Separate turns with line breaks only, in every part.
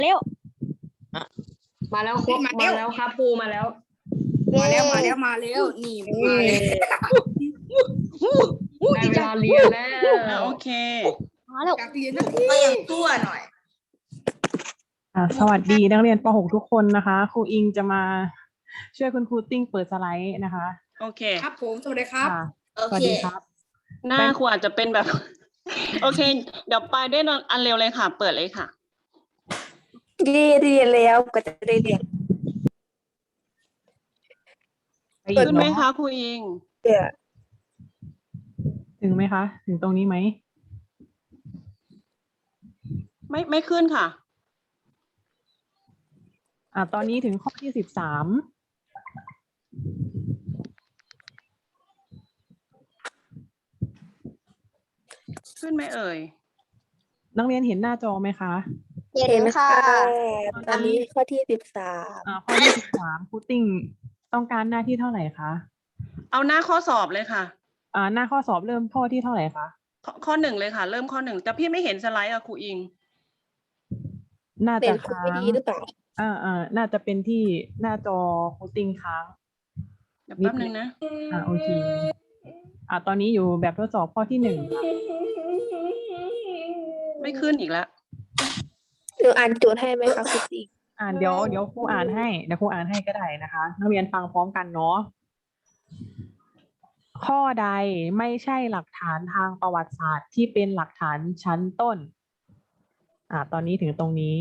เร็ว
มาแล้วครับมาแล้วครับปูมาแล้วนี่มาแล้วได้เวลาเรียนแล้ว
โอเค
มาแล้ว
อยากเรียนนักก็ยังชั่วหน่อย
สวัสดีนักเรียนป .6 ทุกคนนะคะครูอิงจะมาช่วยคุณครูติ้งเปิดสไลด์นะคะ
โอเค
ครับผมสวัสดีครับ
ค่ะ
โอ
สวัส
เค
ดีครับ
หน้าครูอาจจะเป็นแบบ โอเค เดี๋ยวไปได้อันเร็วเลยค่ะ เปิดเลยค่ะ
เรียนแล้วก็จะได้เรียน
ไปอีก
ขึ้นไหม
เนาะ
คะครูอิง
เดี๋ยว
ถึงไหมคะ ถึงตรงนี้ไหม
ไม่ขึ้นค่ะ
ตอนนี้ถึงข้อที่13
ขึ้นไหมเอ่ย
นักเรียนเห็นหน้าจอไหมคะ
เห็นค่ะตอนนี้ข้อที่13
ข้อที่13ครูติ้งต้องการหน้าที่เท่าไหร่คะ
เอาหน้าข้อสอบเลยค่ะ
หน้าข้อสอบเริ่มข้อที่เท่าไหร่คะ
ข้อหนึ่งเลยค่ะ เริ่มข้อหนึ่งแต่พี่ไม่เห็นสไลด์อะครูอิง
น่า
เป็
จะ
นครู
ค้า
ไม่
ง
ดีหรือเปล่า
น่าจะเป็นที่หน้าจอครูติ้งค้าง
เดี๋ยวแป๊บนึงนะ
โอเคตอนนี้อยู่แบบทดสอบข้อที่1ค่ะ
ไม่ขึ้นอีกแล้ว
หนูอ่านโจทย์ให้ไหมคะครูติ๊ก
เดี๋ยวครูอ่านให้ก็ได้นะคะนักเรียนฟังพร้อมกันเนาะข้อใดไม่ใช่หลักฐานทางประวัติศาสตร์ที่เป็นหลักฐานชั้นต้นตอนนี้ถึงตรงนี้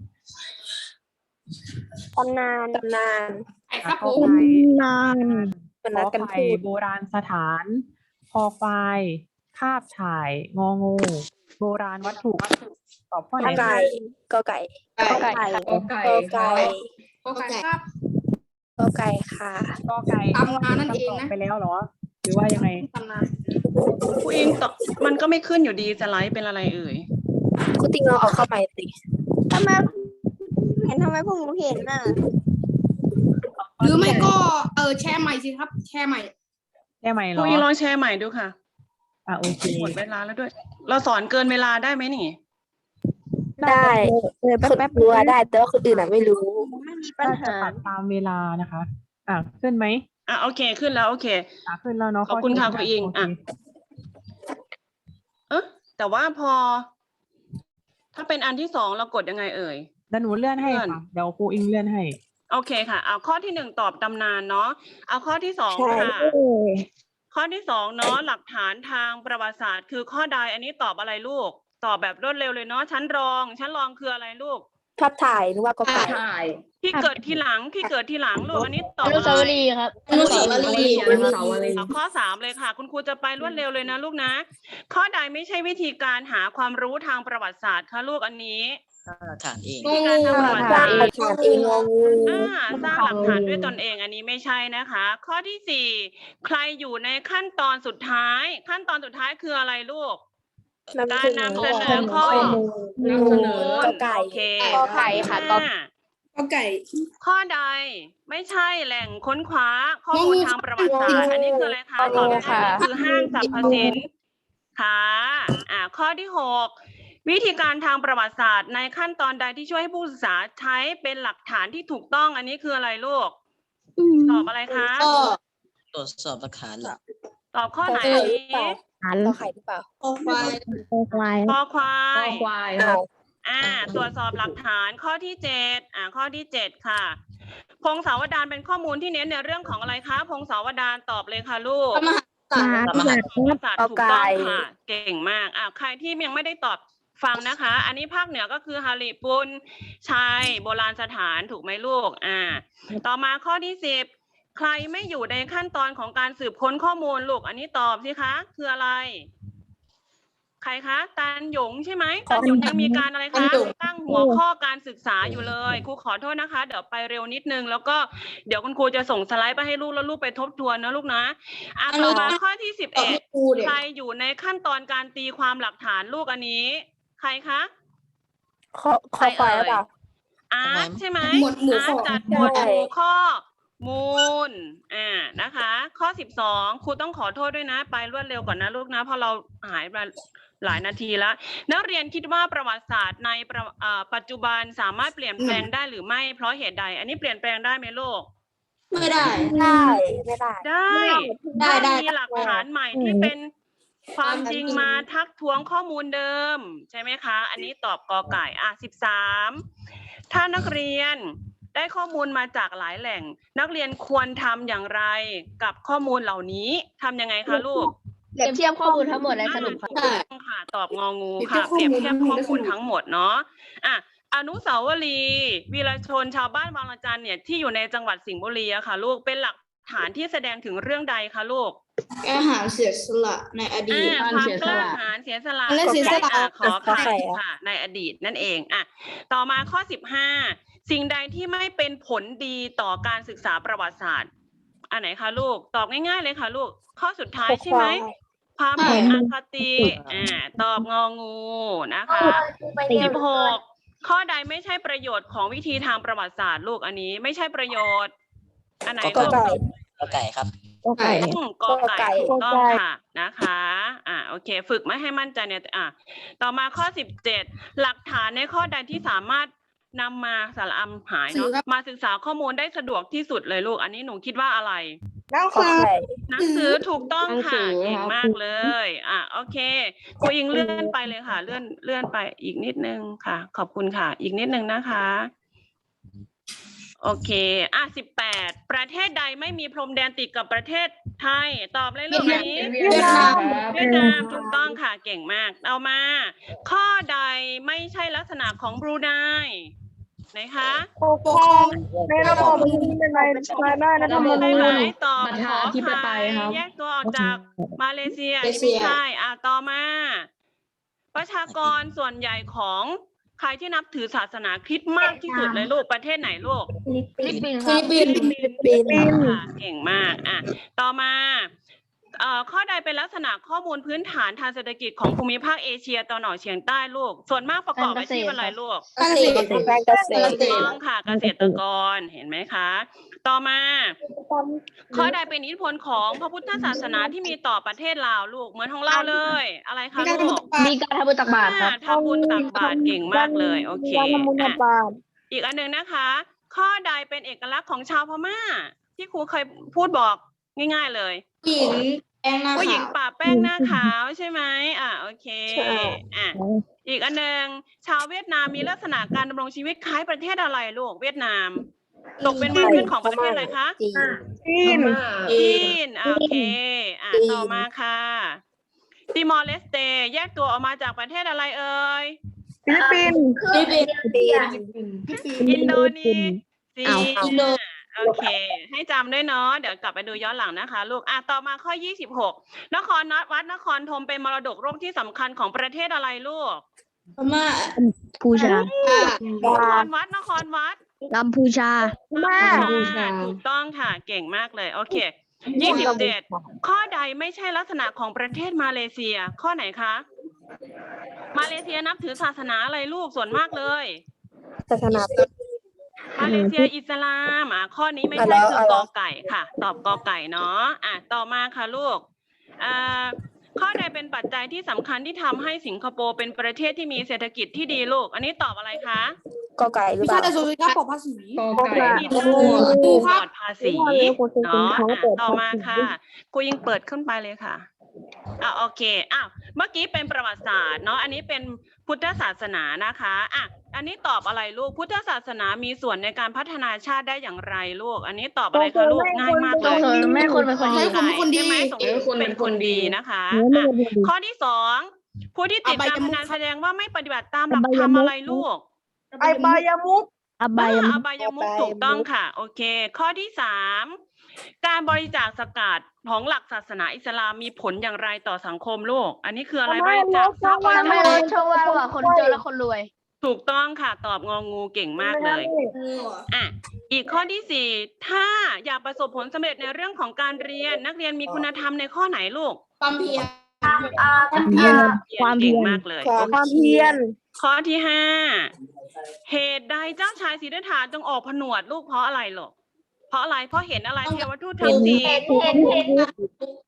ตำนาน
ไอ้ครับผ
ขอ
ม
ไข่
มันนัดกัน
ขอไข่
พูด
โบราณสถานคอควายคาบถ่ายงองูโบราณวัตถุตอบข้อไหน
กไก่
ก็ไก่
กไก่
ก็ไก่ครับ
กไก่ค่ะ
ก็ไก่
ตำนานนั่นเองนะ
ไปแล้วเหรอ หรือว่ายังไง
ตำนาน
ครูอิงตอบมันก็ไม่ขึ้นอยู่ดีสไลด์เป็นอะไรเอ่ย
ครูติ๊กเราเอาเข้าใหม่สิ
ทำไมพวกหนูเห็นน่ะ
หรือไม่ก็แชร์ใหม่สิครับ แชร์ใหม่
ได้ไหมเห
ค
ร
รู
อ
อิงลองแชร์ใหม่ดูค่ะ
โอเค
หมดเวลาแล้วด้วย เราสอนเกินเวลาได้ไหมนี่
ได้คนรู้ว่าได้แต่ว่าคนอื่นไม่รู้
ไม่มีปัญ
น่าจะ
หา
ปรับตามเวลานะคะ ขึ้นไหม
โอเคขึ้นแล้วโอเค
ขึ้นแล้วเนาะ
ขอบคุณค่ะ
ข้
คุณอิง
โเค
แต่ว่าพอ ถ้าเป็นอันที่สองเรากดยังไงเอ่ย
แล้วหนูเลื่อนให้
เลื่อน
ค่ะเดี๋ยวครูอิงเลื่อนให้
โอเคค่ะ เอาข้อที่หนึ่งตอบตำนานเนาะ เอาข้อที่สอง
ใช่
ค่ะ ข้อที่สองเนาะหลักฐานทางประวัติศาสตร์คือข้อใดอันนี้ตอบอะไรลูก ตอบแบบรวดเร็วเลยเนาะชั้นรองคืออะไรลูก
ภาพถ่ายหรือว่ากไก่
ที่เกิดทีหลังลูกอันนี้ตอบ
อนุ
อะไร
สาวรีย์ครับ
อนุสาวรีย์
เอาข้อสามเลยค่ะ คุณครูจะไปรวดเร็วเลยนะลูกนะ ข้อใดไม่ใช่วิธีการหาความรู้ทางประวัติศาสตร์คะลูกอันนี้
ฐานเอง
วิธีการทางประวัติ
สร้า
ศาง สตร์
หลักฐานเองงองู
สร้างหลักฐานด้วยตนเองอันนี้ไม่ใช่นะคะ ข้อที่สี่ใครอยู่ในขั้นตอนสุดท้าย ขั้นตอนสุดท้ายคืออะไรลูก การนำเสนอข้อ
นำเสนอกไก่
โอเค
กไก่ค่ะ
ข้อ
ก็ไก่
ข้อใดไม่ใช่แหล่งค้นคว้าข้อมูลทางประวัติศาสตร์อันนี้คืออะไรคะตอบได้เลยคือห้างสรรพสินค้าข้อที่หกวิธีการทางประวัติศาสตร์ในขั้นตอนใดที่ช่วยให้ผู้ศึกษาใช้เป็นหลักฐานที่ถูกต้องอันนี้คืออะไรลูกตอบอะไรคะ
ก็
ตรวจสอบหลักฐานหลัก
ตอบข้อไหน
ก
อัน
หรือ
นี้
เปล่าก็ไข่หรือเปล่า
โอไฟ
คอควาย
เอา
ตรวจสอบหลักฐานข้อที่เจ็ดข้อที่เจ็ดค่ะ พงศาวดารเป็นข้อมูลที่เน้นในเรื่องของอะไรคะพงศาวดารตอบเลยค่ะลูก
พระมหากษัตริย์
ประวัติศาสตร์ถูกต้องค่ะ เก่งมากใครที่ยังไม่ได้ตอบฟังนะคะ อันนี้ภาคเหนือก็คือฮาริปุนชัยโบราณสถานถูกไหมลูกต่อมาข้อที่สิบใครไม่อยู่ในขั้นตอนของการสืบค้นข้อมูลลูกอันนี้ตอบสิคะคืออะไร ใครคะตันหยงใช่ไหมตันหยงยังมีการอะไรคะตั้งหัวข้อการศึกษาอยู่เลยครูขอโทษนะคะ เดี๋ยวไปเร็วนิดนึงแล้วก็เดี๋ยวคุณครูจะส่งสไลด์ไปให้ลูกแล้วลูกไปทบทวนนะลูกนะต่อมาข้อที่
ตอบ
11
ให้ครูเด็ก
ใครอยู่ในขั้นตอนการตีความหลักฐานลูกอันนี้ ใครคะ
ข้อควายหรือเปล่า
อาร์ตใช่ไหม
หมวดหมู่
อา
ข้
ร์
อ
ตจัดหมวดหมู่ข้อมูลนะคะ ข้อ12ครูต้องขอโทษด้วยนะ ไปรวดเร็วก่อนนะลูกนะเพราะเราหายไปหลายนาทีแล้วนักเรียนคิดว่าประวัติศาสตร์ในปัจจุบันสามารถเปลี่ยนแปลงได้หรือไม่เพราะเหตุใด อันนี้เปลี่ยนแปลงได้ไหมลูก
ไม่ได้
ได้ไม่ได้
ได้
ได้
มีหลักฐานใหม่ที่เป็นความจริงมาทักท้วงข้อมูลเดิมใช่ไหมคะ อันนี้ตอบกอไก่13ถ้านักเรียนได้ข้อมูลมาจากหลายแหล่ง นักเรียนควรทำอย่างไรกับข้อมูลเหล่านี้ทำยังไงคะลูก
เปรียบเทียบข้อมูลทั้งหมดและสรุปค่ะ
ถูกต้องค่ะตอบงองูค่ะเปรียบเทียบข้อมูลทั้งหมดเนาะอนุสาวรีย์วีรชนชาวบ้านบางระจันเนี่ยที่อยู่ในจังหวัดสิงห์บุรีอะค่ะลูกเป็นหลักฐานที่แสดงถึงเรื่องใดคะลูก
อาหารเสียสละในอดีต
ความกล้าหาญเสียสละ
และเสียสละ
ขอไข่ค่ะ ในอดีตนั่นเองต่อมาข้อ15สิ่งใดที่ไม่เป็นผลดีต่อการศึกษาประวัติศาสตร์อันไหนคะลูกตอบง่ายๆเลยค่ะลูกข้อสุดท้ายใช่ไหมความเห็นอคติตอบงองูนะคะ16ข้อใดไม่ใช่ประโยชน์ของวิธีทางประวัติศาสตร์ลูกอันนี้ไม่ใช่ประโยชน์อันไหน
ก็
ลูก
ไก่ครับ
ไก่
กอไก่ถูกต้องค่ะนะคะโอเคฝึกไม่ให้มั่นใจเนี่ยต่อมาข้อ17หลักฐานในข้อใดที่สามารถนำมาสารหายเนาะมาศึกษาข้อมูลได้สะดวกที่สุดเลยลูกอันนี้หนูคิดว่าอะไร
หนังสือ
หนังสือถูกต้องค่ะเก่งมากเลยโอเคครูอิงเลื่อนไปเลยค่ะเลื่อนไปอีกนิดนึงค่ะขอบคุณค่ะอีกนิดนึงนะคะโอเค18ประเทศใดไม่มีพรมแดนติดกับประเทศไทยตอบเลยลูกนี้
เวียดนาม
เวียดนามถูกต้องค่ะเก่งมากเอามา ข้อใดไม่ใช่ลักษณะของบรูไนไหนคะ
ปกครองในระบอบในรัฐธรรม
ใช่
นู
ไหม
ญ
ตอบ
ประ
ข
ชา
อ
ธิปไตยครับ
แยกตัวออกจากมาเลเซียนี่ไม่ใช่ต่อมาประชากรส่วนใหญ่ของใครที่นับถือศาสนาคริสต์มากที่สุดเลยลูกประเทศไหนลูก
ฟิลิปปินส์
ฟิลิปปินส์
ค่ะเก่งมากต่อมาข้อใดเป็นลักษณะข้อมูลพื้นฐานทางเศรษฐกิจของภูมิภาคเอเชียตะวันออกเฉียงใต้ลูกส่วนมากประกอบอาชีพอะไรลูก
เกษตรการเกษตร
ถูกต้องค่ะเกษตรกรเห็นไหมคะ ต่อมาข้อใดเป็นอิทธิพลของพระพุทธศาสนาที่มีต่อประเทศลาวลูกเหมือนของเราเลย อะไรคะลูก
มีการทำบุญตักบาตรครับ
ทำบุญตักบาตรเก่งมากเลยโอเคอีกอันหนึ่งนะคะ ข้อใดเป็นเอกลักษณ์ของชาวพม่า ที่ครูเคยพูดบอกง่ายๆเลย
ผู้หญิงแป้งหน้า
ผู้หญิง
ขาว
ป่าแป้งหน้าขาวใช่ไหมโอเคอีกอันหนึ่งชาวเวียดนามมีลักษณะการดำรงชีวิตคล้ายประเทศอะไรลูกเวียดนามตกเป็นเมืองขึ้นของประเทศอะไรคะ
จีน
จีนโอเคต่อมาค่ะติมอร์เลสเตแยกตัวออกมาจากประเทศอะไรเอ่ย
ฟิลิปปินส์
อินโดนีเซียโอเคให้จำด้วยเนาะเดี๋ยวกลับไปดูย้อนหลังนะคะลูกต่อมาข้อ26นครวัดนครธมเป็นมรดกโลกที่สำคัญของประเทศอะไรลูก
พม่า
พูชาน
ครวัด
กัมพูชา
ถูกต้องค่ะเก่งมากเลยโอเค27ข้อใดไม่ใช่ลักษณะของประเทศมาเลเซียข้อไหนคะมาเลเซียนับถือศาสนาอะไรลูกส่วนมากเลย
ศาสนาพุทธ
มาเลเซียอิสลามข้อนี้ไม่ใช่คือกอไก่ค่ะตอบกอไก่เนาะต่อมาค่ะลูกข้อใดเป็นปัจจัยที่สำคัญที่ทำให้สิงคโปร์เป็นประเทศที่มีเศรษฐกิจที่ดีลูกอันนี้ตอบอะไรคะ
กอไก่หรือ
วิ
เป
ชา
ล่า
แต่สุดท้ายปลอดภาษี
กอไก่
ที่ปลอดภาษีเนาะต่อมาค่ะครูยิงเปิดขึ้นไปเลยค่ะโอเคเมื่อกี้เป็นประวัติศาสตร์เนาะอันนี้เป็นพุทธศาสนานะคะอันนี้ตอบอะไรลูกพุทธศาสนามีส่วนในการพัฒนาชาติได้อย่างไรลูกอันนี้ตอบอะไรคะลูกง่ายมากเลย
แม่คนเป็นคนดี
ใช่ไหมสมมติเป็นคนดีนะคะข้อที่2ผู้ที่ติดการพนันแสดงว่าไม่ปฏิบัติตามหลักธรรมอะไรลูก
อบายมุก
อบายมุขถูกต้องค่ะโอเคข้อที่3การบริจาคสกาดของหลักศาสนาอิสลามมีผลอย่างไรต่อสังคมโลกอันนี้คืออะไรบริจาคทรัพย์
ทำให้ลดช่องว่างระหว่างคนจนและคนรวย
ถูกต้องค่ะตอบงองูเก่งมากเลยอีกข้อที่4ถ้าอยากประสบผลสำเร็จในเรื่องของการเรียนนักเรียนมีคุณธรรมในข้อไหนลูก
ความเพียร
ความเก่งมากเลย
ความเพียร
ข้อที่5เหตุใดเจ้าชายสิทธัตถะจึงออกผนวดลูกเพราะอะไรหรอเพราะอะไรเพราะเห็นอะไรเทวทูตทั้ง4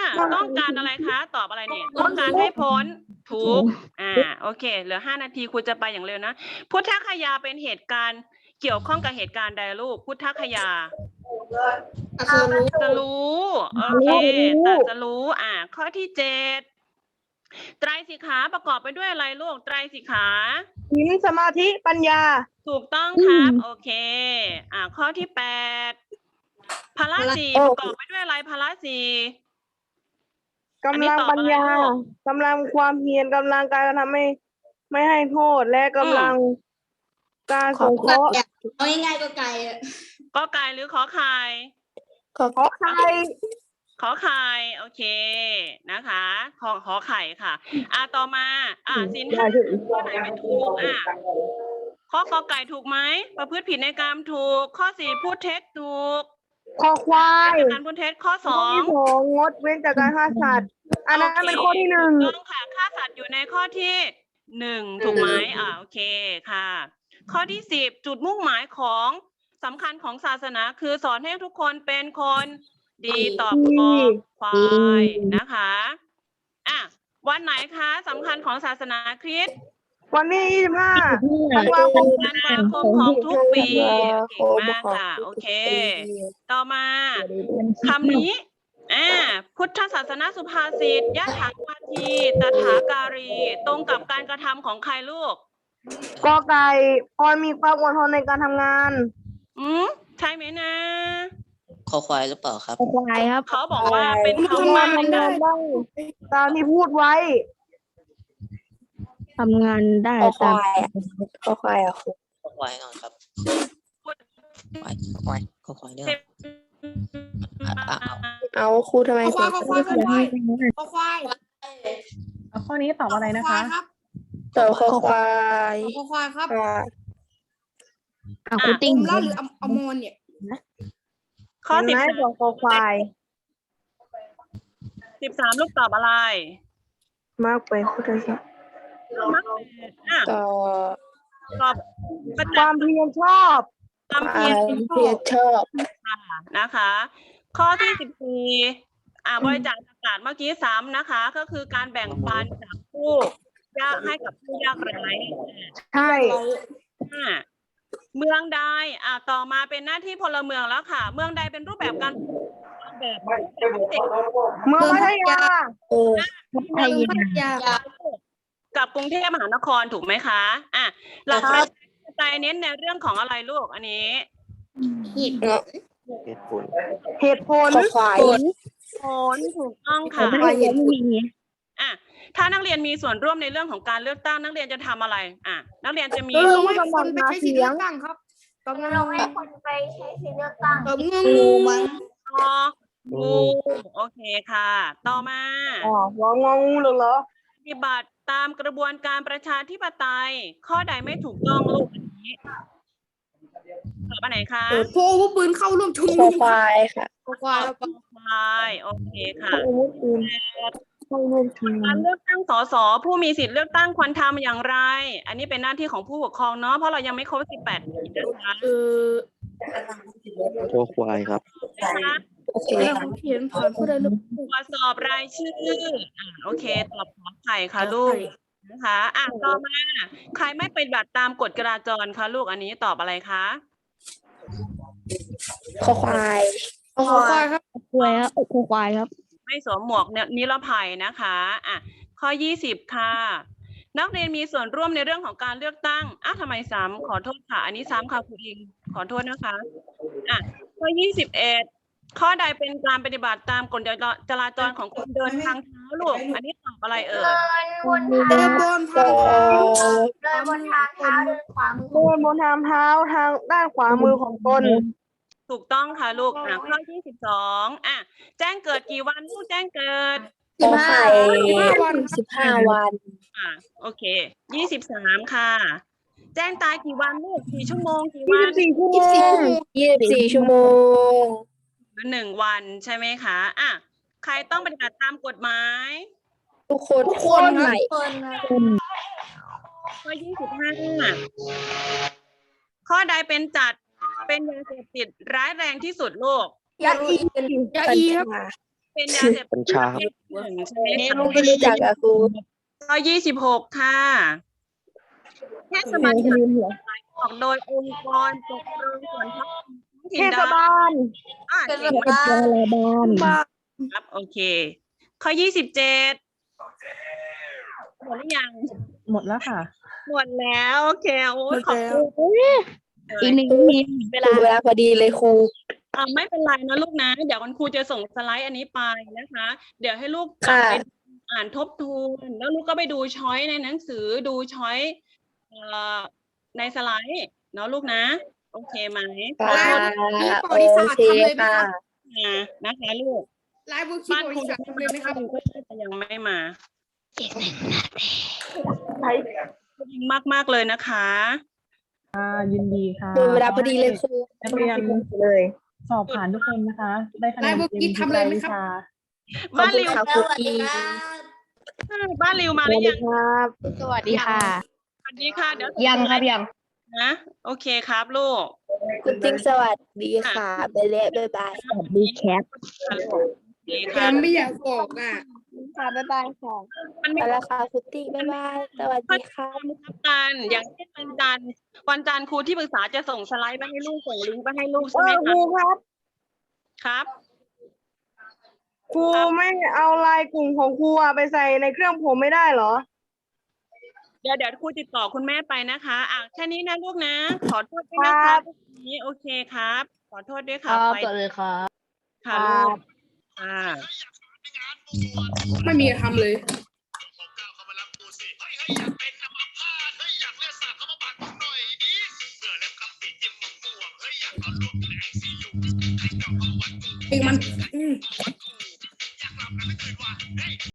ต้องการอะไรคะ ตอบอะไรเนี่ย ต้องการให้พ้นทุกข์โอเค เหลือ5 นาทีครูจะไปอย่างเร็วนะ พุทธคยาเป็นเหตุการณ์เกี่ยวข้องกับเหตุการณ์ใดลูก พุทธคยาตรัสรู้โอเคตรัสรู้ข้อที่7ไตรสิกขาประกอบไปด้วยอะไรลูก ไตรสิกขา
ศีลสมาธิปัญญา
ถูกต้องครับโอเคข้อที่8พละสี่ประกอบไปด้วยอะไรพละสี่
กำลังปัญญากำลังความเพียรกำลังการทำไม่ให้โทษและกำลังการสงเคราะห์
เอาง่ายๆก็ไกลอะ
ก็ไก่หรือขอไข่
ขอใคร
ขอไข่โอเคนะคะขอไข่ค่ะต่อมาสินห้าข้อไหนไม่ถูกข้อกอไก่ถูกไหมประพฤติผิดในกรรมถูกข้อ4พูดเท็จถูก
คอควาย
การพูดเท็จข้อ
ข้อที่ 2งดเว้นจากการฆ่าสัตว์อันนั้นเป็นข้อที่ 1
ต้องค่ะฆ่าสัตว์อยู่ในข้อที่1ถูกไหมโอเคค่ะ ข้อที่10จุดมุ่งหมายของสำคัญของศาสนาคือสอนให้ทุกคนเป็นคนดีต่อคอควายนะคะวันไหนคะสำคัญของศาสนาคริสต์
วันที่25ธันวาคม
ธันวาคมของทุกปีเก่งมากค่ะโอเค ต่อมาคำนี้พุทธศาสนาสุภาษิตยะถากาทีตถาการีตรงกับการกระทำของใครลูก
กอไก่พรมีความอดทนในการทำงาน
ใช่ไหมนะ
คอควายหรือเปล่าครับ
ควายครับ
เขาบอกว่าเป็น
ทำ
คำ
งา
ว่าน ใน
ทำ
กาง
าร นได้ตามที่พูดไว้
ทำงานได้คอควายคอควายครู
คอควายก่อนครับคอควายเรื่อง
เอาครูทำไม
ควายควายควายควาย
ข้อนี้ตอบอะไรนะคะ
ครับ
ต่อคอควาย
ควายครับ
ครูติ้ง
แล้วหรืออมอนเนี่ย
ข้อ
เห็นไหมบอกคอควาย
13ลูกตอบอะไร
มากไปพุทธศาสนา
ต่อ
ตอบประ
ค
จั
วาก ม
ษ์
เพียรชอบ
ความเพียร
เพียรชอบ
นะคะ ข้อที่14บริจาคอากาศเมื่อกี้ซ้ำนะคะ ก็คือการแบ่งปันจากผู้ยากให้กับผู้ยากไร้
ใช่
เมืองใดต่อมาเป็นหน้าที่พลเมืองแล้วค่ะ เมืองใดเป็นรูปแบบการแบบ
เมืองพัทยา
ไทย
กับกรุงเทพมหานครถูกไหมคะหลักประชาธิปไตยเน้นในเรื่องของอะไรลูกอันนี้
เหตุผล
คอควาย
ผลถูกต้องค่ะถ้านักเรียนมีส่วนร่วมในเรื่องของการเลือกตั้งนักเรียนจะทำอะไรนักเรียนจะมี
ให้คนไปใช้สิทธิ์เลือกตั้งครับตบงูให้คนไปใช้สิทธิ์เลือกตั้งตบงูมั้ง
งูโอเคค่ะ ต่อมา
หัวงองูเหรอ
ปฏิบัติตามกระบวนการประชาธิปไตย ข้อใดไม่ถูกต้องลูกอันนี้ตอบอันไหนคะ
โพวปืนเข้าร่วมชุม
ค
นุ
อ
ม
ควายค่ะ
ควาย
ใช่โอเคค่ะ
อาวุธปืนเข้าร่วมชุมนุ
กาม รเลือกตั้งสสผู้มีสิทธิ์เลือกตั้งควรทำอย่างไร อันนี้เป็นหน้าที่ของผู้ปกครองเนาะเพราะเรายังไม่ครบ18 ปีนะคะ
คอควายครับ
นะคะ
โอเค
เขียนผ่านผู้ใดลูก
ตรวจสอบรายชื่อโอเคตอบขอไข่ค่ะลูกนะคะต่อมาใครไม่ปฏิบัติตามกฎจราจรคะลูกอันนี้ตอบอะไรคะ
คอควาย
ควายครับ
ควายครับคอควายครับ
ไม่สวมหมวกนิรภัยนะคะข้อ20ค่ะ นักเรียนมีส่วนร่วมในเรื่องของการเลือกตั้งทำไมซ้ำขอโทษค่ะอันนี้ซ้ำค่ะครูอิงขอโทษนะคะข้อ21ข้อใดเป็นการปฏิบัติตามกฎจราจรของคนเดินทางเท้าลูกอันนี้ตอบอะไรเอ่ย
เดินบนทางเท้า
เดินบนทางเท้าทางด้านขวามือของตน
ถูกต้องค่ะลูกข้อ22แจ้งเกิดกี่วันลูกแจ้งเกิด
คอไข่15 วัน
โอเค23ค่ะ แจ้งตายกี่วันลูกกี่ชั่วโมงกี่วัน
24 ชั่วโมง
หรือ1 วันใช่ไหมคะใครต้องปฏิบัติตามกฎหมาย
ทุกคนใหม่
ข้อ25ข้อใดเป็นยาเสพติดร้ายแรงที่สุดลูก
ยาอีครับ
เป็นยาเสพ
กั
ติ
ญ
ด
ชา
ประเภทหนึ่งใช่ไหม
นี่
คะ
ลุงไม่รู้จักอะครู
ข้อ26 ค่ะเทศบาลออกโดยองค์กรปกครองส่วนท้องถิ่น
เทศบาล
เก่งมากครับโอเค ข้อ27หมดหรือยัง
หมดแล้วค่ะ
หมดแล้วโอเคโอ้ยขอบคุณ
อีก1 นาทีเวลาพอดีเลยครู
ไม่เป็นไรนะลูกนะ เดี๋ยวคุณครูจะส่งสไลด์อันนี้ไปนะคะ เดี๋ยวให้ลูกกลับไปอ่านทบทวนแล้วลูกก็ไปดูช้อยในหนังสือดูช้อยในสไลด์เนาะลูกนะ โอเคไหม
โอเคค่ะ
นะคะลูก
ลายบุคคล
บ้าน
บ
คุ
ริ
ณ
ษัททำเลยไหมครับ
ก็ยังไม่มามากๆเลยนะคะ
ยินดีค่ะ
หมดเวลาพอดีเลยครู
นักเรียน
เลย
สอบผ่านทุกคนนะคะ ได้คะแนน
ได้บุ
เต็ม
กี้
ทุก
ทำเลย
ราย
ไหม
วิ
ครับ
ชา
ขอบคุณค่ะครูกี
บ้านริวมา
ส
หรื
วัส
อ
ดี
ยัง
ครับ
สวัสดีค่ะ
สวัสดีค่ะ เดี๋ยว
ยังครับยัง
นะโอเคครับลูก
คุณติ๊กสวัสดีค่ะไปแล้วบ๊ายบาย
สวัสดีแคป
ดี
ยั
ค่ะ
งไม่อยากบอกอ่ะ
ค่ะบ๊ายบายค่ะ
มัน
ไป
มี
แล้วค่ะคุณติ๊กบ๊ายบายสวัสดีค่ะ
กันอย่างเช่นวันจันทร์ครูที่ปรึกษาจะส่งสไลด์ไปให้ลูกส่งลิงก์ไปให้ลูกใช่ไหม
ค
คะ
รูครับ
ครับ
ครูไม่เอาไลน์กลุ่มของครูอะไปใส่ในเครื่องผมไม่ได้เหรอ
เดี๋ยวครูติดต่อคุณแม่ไปนะคะแค่นี้นะลูกนะ ขอโทษด้วยนะคะนี้โอเคครับ ขอโทษด้วยค่ะไป
เลยครับ
ค่ะลูกค่ะ
ไม่มีทำเลย เองมัน